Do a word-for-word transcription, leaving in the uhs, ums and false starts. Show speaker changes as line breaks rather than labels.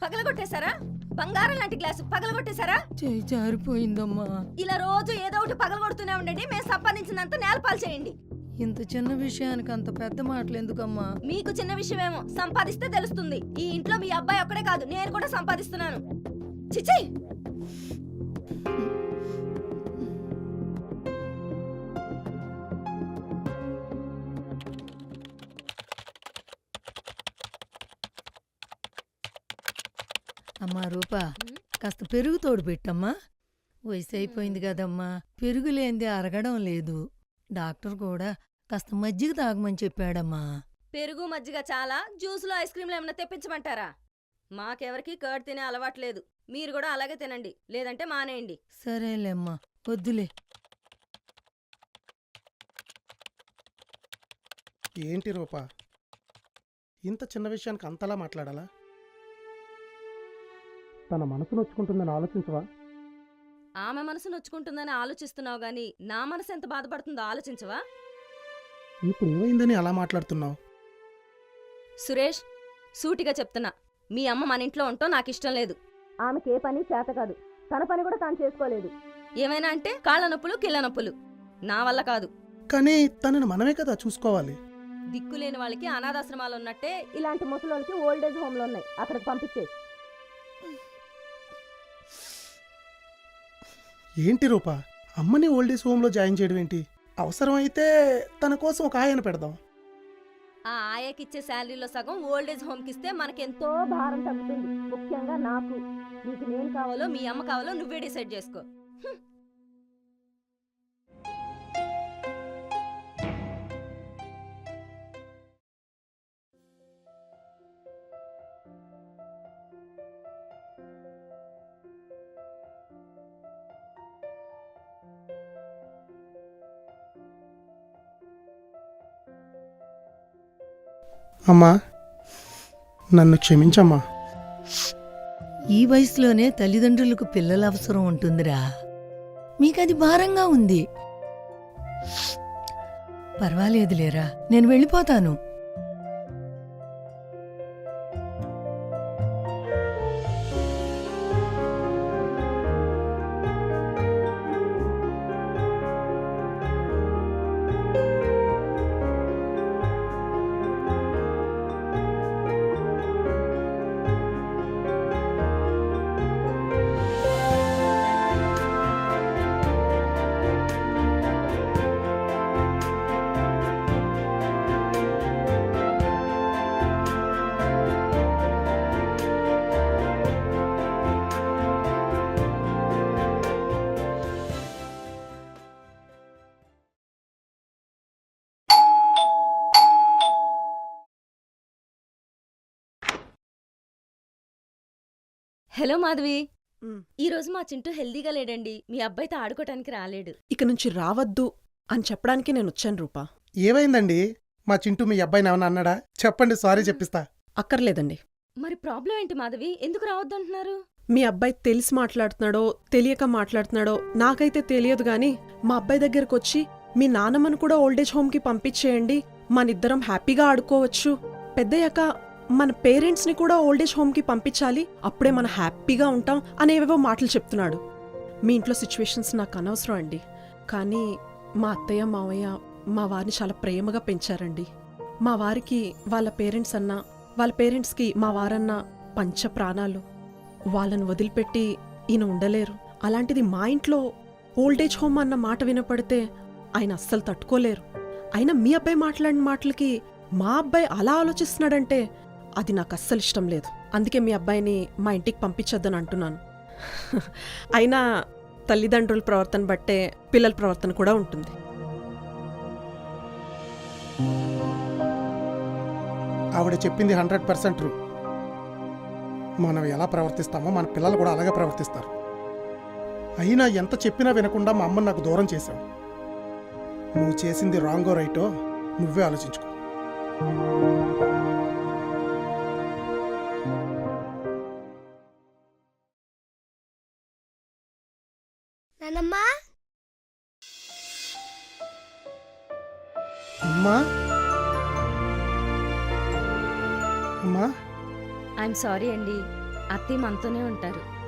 పగలగొట్టేశారా? బంగారం లాంటి గ్లాసు పగలగొట్టేశారా?
చేయి జారిపోయిందమ్మా.
ఇలా రోజు ఏదో ఒకటి పగలగొడుతూనే ఉండండి. మేము సంపాదించినంత నేలపాలు చేయండి.
ఇంత చిన్న విషయానికి అంత పెద్ద మాటలు ఎందుకమ్మా?
మీకు చిన్న విషయమేమో, సంపాదిస్తే తెలుస్తుంది. ఈ ఇంట్లో మీ అబ్బాయి ఒక్కడే కాదు, నేను కూడా సంపాదిస్తున్నాను. చిచ్చి,
అమ్మా రూపా, కాస్త పెరుగు తోడు పెట్టమ్మా. వయసు అయిపోయింది కదమ్మా, పెరుగు లేనిదే అరగడం లేదు. డాక్టర్ కూడా కాస్త మజ్జిగ తాగమని చెప్పాడమ్మా.
పెరుగు మజ్జిగ చాలా, జ్యూసులో ఐస్ క్రీంలు ఏమైనా తెప్పించమంటారా? మాకెవరికి కర్డ్ తినే అలవాట్లేదు. మీరు కూడా అలాగే తినండి, లేదంటే మానేయండి.
సరేలేమ్మా, వద్దులే.
ఏంటి రూపా, ఇంత చిన్న విషయానికి అంతలా మాట్లాడాలా? తన మనసు నొచ్చుకుంటుందని ఆలోచించవా?
ఆమె మనసు నొచ్చుకుంటుందని ఆలోచిస్తున్నావు గాని నా మనసు ఎంత బాధపడుతుందో ఆలోచించవా?
ఇప్పుడు ఏమైందని అలా మాట్లాడుతున్నావు?
సురేష్, సూటిగా చెప్తున్నా, మీ అమ్మ మన ఇంట్లో ఉంటాం నాకు ఇష్టం లేదు. ఆమెకి ఏ పని చేత కాదు, తన పని కూడా తాను చేసుకోలేదు. ఏమైనా అంటే కాళ్ళ నొప్పులు కిళ్ళ నొప్పులు. నా వల్ల కాదు.
కానీ తనని మనమే కదా చూసుకోవాలి.
దిక్కులేని వాళ్ళకి అనాథాశ్రమాలు ఉన్నట్టే ఇలాంటి ముసలోళ్ళకి ఓల్డేజ్ హోమ్లు ఉన్నాయి, అక్కడికి పంపించే.
ఏంటి రూపా, అమ్మని ఓల్డేజ్ హోమ్లో జాయిన్ చేయడం ఏంటి? అవసరమైతే తన కోసం ఒక ఆయన పెడదాం.
ఆ ఆయకిచ్చే శాలరీలో సగం ఓల్డేజ్ హోమ్కి ఇస్తే మనకెంతో భారం తగ్గుతుంది. ముఖ్యంగా నాకు. నీకు నేను కావాలో మీ అమ్మ కావాలో నువ్వే డిసైడ్ చేసుకో.
అమ్మా, నన్ను క్షమించమ్మా.
ఈ వయసులోనే తల్లిదండ్రులకు పిల్లల అవసరం ఉంటుందిరా. మీకది భారంగా ఉంది. పర్వాలేదులేరా, నేను వెళ్ళిపోతాను.
హలో మాధవి, ఈ రోజు మా చింటూ హెల్దీగా లేడండి. మీ అబ్బాయితో ఆడుకోవటానికి రాలేడు.
ఇక నుంచి రావద్దు అని చెప్పడానికి నేను వచ్చాను రూపా.
ఏమైందండి? మా చింటూ మీ అబ్బాయిని ఏమన్నా అన్నాడా? చెప్పండి, సారీ చెప్పిస్తా.
అక్కర్లేదండి.
మరి ప్రాబ్లం ఏంటి మాధవి? ఎందుకు రావద్దు అంటున్నారు?
మీ అబ్బాయి తెలిసి మాట్లాడుతున్నాడో తెలియక మాట్లాడుతున్నాడో నాకైతే తెలియదు గాని మా అబ్బాయి దగ్గరకు వచ్చి మీ నాన్నమ్మను కూడా ఓల్డేజ్ హోమ్కి పంపించేయండి, మనిద్దరం హ్యాపీగా ఆడుకోవచ్చు, పెద్దయ్యాక మన పేరెంట్స్ని కూడా ఓల్డేజ్ హోమ్కి పంపించాలి, అప్పుడే మనం హ్యాపీగా ఉంటాం అనేవేవో మాటలు చెప్తున్నాడు. మీ ఇంట్లో సిచ్యువేషన్స్ నాకు అనవసరం అండి. కానీ మా అత్తయ్య మావయ్య మా వారిని చాలా ప్రేమగా పెంచారండి. మా వారికి వాళ్ళ పేరెంట్స్ అన్నా వాళ్ళ పేరెంట్స్కి మా వారన్నా పంచ ప్రాణాలు. వాళ్ళను వదిలిపెట్టి ఈయన ఉండలేరు. అలాంటిది మా ఇంట్లో ఓల్డేజ్ హోమ్ అన్న మాట వినపడితే ఆయన అస్సలు తట్టుకోలేరు. అయినా మీ అబ్బాయి మాట్లాడిన మాటలకి మా అబ్బాయి అలా ఆలోచిస్తున్నాడంటే అది నాకు అస్సలు ఇష్టం లేదు. అందుకే మీ అబ్బాయిని మా ఇంటికి పంపించొద్దని అంటున్నాను. అయినా తల్లిదండ్రుల ప్రవర్తన బట్టే పిల్లల ప్రవర్తన కూడా ఉంటుంది.
ఆవిడ చెప్పింది హండ్రెడ్ పర్సెంట్ ట్రూ. మనం ఎలా ప్రవర్తిస్తామో మన పిల్లలు కూడా అలాగే ప్రవర్తిస్తారు. అయినా ఎంత చెప్పినా వినకుండా మా అమ్మని నాకు దూరం చేశావు. నువ్వు చేసింది రాంగో రైటో నువ్వే ఆలోచించుకో.
నానమ్మా,
అమ్మా, అమ్మా,
ఐఎమ్ సారీ అండి. అత్తయ్య మనతోనే ఉంటారు.